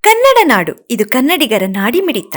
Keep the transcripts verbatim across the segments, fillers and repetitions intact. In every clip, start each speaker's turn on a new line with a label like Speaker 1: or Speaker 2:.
Speaker 1: ಕನ್ನಡ ನಾಡು, ಇದು ಕನ್ನಡಿಗರ ನಾಡಿಮಿಡಿತ.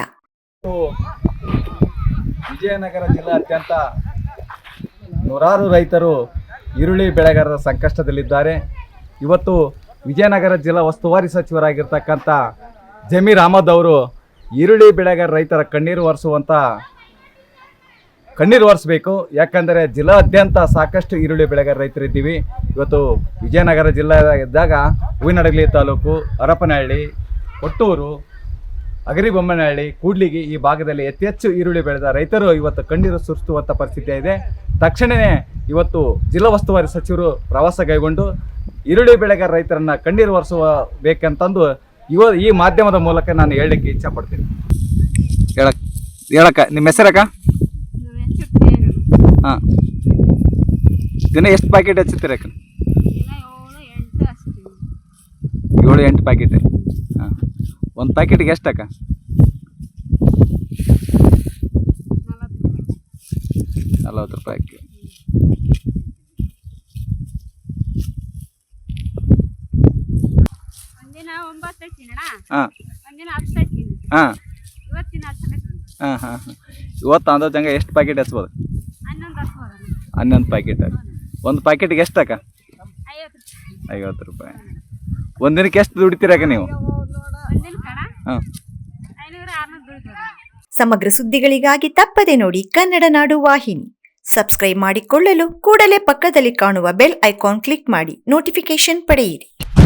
Speaker 2: ವಿಜಯನಗರ ಜಿಲ್ಲಾದ್ಯಂತ ನೂರಾರು ರೈತರು ಈರುಳ್ಳಿ ಬೆಳೆಗಾರರ ಸಂಕಷ್ಟದಲ್ಲಿದ್ದಾರೆ. ಇವತ್ತು ವಿಜಯನಗರ ಜಿಲ್ಲಾ ಉಸ್ತುವಾರಿ ಸಚಿವರಾಗಿರ್ತಕ್ಕಂಥ ಜಮೀರ್ ಅಹಮದ್ ಅವರು ಈರುಳ್ಳಿ ಬೆಳೆಗಾರ ರೈತರ ಕಣ್ಣೀರು ಒರೆಸುವಂಥ ಕಣ್ಣೀರು ಒರೆಸಬೇಕು. ಯಾಕಂದರೆ ಜಿಲ್ಲಾದ್ಯಂತ ಸಾಕಷ್ಟು ಈರುಳ್ಳಿ ಬೆಳೆಗಾರ ರೈತರಿದ್ದೀವಿ. ಇವತ್ತು ವಿಜಯನಗರ ಜಿಲ್ಲೆ ಇದ್ದಾಗ ಹೂವಿನಡಗಲಿ ತಾಲೂಕು, ಹರಪನಹಳ್ಳಿ, ಕೊಟ್ಟೂರು, ಅಗರಿಬೊಮ್ಮನಹಳ್ಳಿ, ಕೂಡ್ಲಿಗಿ ಈ ಭಾಗದಲ್ಲಿ ಅತಿ ಹೆಚ್ಚು ಈರುಳ್ಳಿ ಬೆಳೆದ ರೈತರು ಇವತ್ತು ಕಣ್ಣೀರು ಸುರಿಸುವಂಥ ಪರಿಸ್ಥಿತಿ ಇದೆ. ತಕ್ಷಣವೇ ಇವತ್ತು ಜಿಲ್ಲಾ ಉಸ್ತುವಾರಿ ಸಚಿವರು ಪ್ರವಾಸ ಕೈಗೊಂಡು ಈರುಳ್ಳಿ ಬೆಳೆಗಾರ ರೈತರನ್ನು ಕಣ್ಣೀರು ಒರೆಸುವ ಬೇಕಂತಂದು ಇವ ಈ ಮಾಧ್ಯಮದ ಮೂಲಕ ನಾನು ಹೇಳಲಿಕ್ಕೆ ಇಚ್ಛಪಡ್ತೀನಿ. ಹೇಳಕ್ ಹೇಳಕ್ಕ ನಿಮ್ಮ ಹೆಸರಕ್ಕ? ಹಾಂ, ದಿನ ಎಷ್ಟು ಪ್ಯಾಕೆಟ್ ಹಚ್ಚುತ್ತೀರಕ್ಕ? ಏಳು ಎಂಟು ಪ್ಯಾಕೆಟ್. ಹಾಂ, ಒಂದು ಪ್ಯಾಕೆಟ್ಗೆ ಎಷ್ಟಕ್ಕ? ನಲ್ವತ್ತು ರೂಪಾಯಿ. ಹಾಂ ಹಾಂ ಹಾಂ ಹಾಂ ಹಾಂ ಇವತ್ತು ಅಂದಾಜಂಗೆ ಎಷ್ಟು ಪ್ಯಾಕೆಟ್ ಹಚ್ಬೋದು? ಹನ್ನೊಂದು ಪ್ಯಾಕೆಟ್. ಒಂದು ಪ್ಯಾಕೆಟ್ಗೆ ಎಷ್ಟಕ್ಕ? ಐವತ್ತು ರೂಪಾಯಿ. ಒಂದು ದಿನಕ್ಕೆ ಎಷ್ಟು ದುಡಿತೀರಕ್ಕ ನೀವು? ಹಾಂ.
Speaker 1: ಸಮಗ್ರ ಸುದ್ದಿಗಳಿಗಾಗಿ ತಪ್ಪದೆ ನೋಡಿ ಕನ್ನಡ ನಾಡು ವಾಹಿನಿ. ಸಬ್ಸ್ಕ್ರೈಬ್ ಮಾಡಿಕೊಳ್ಳಲು ಕೂಡಲೇ ಪಕ್ಕದಲ್ಲಿ ಕಾಣುವ ಬೆಲ್ ಐಕಾನ್ ಕ್ಲಿಕ್ ಮಾಡಿ ನೋಟಿಫಿಕೇಶನ್ ಪಡೆಯಿರಿ.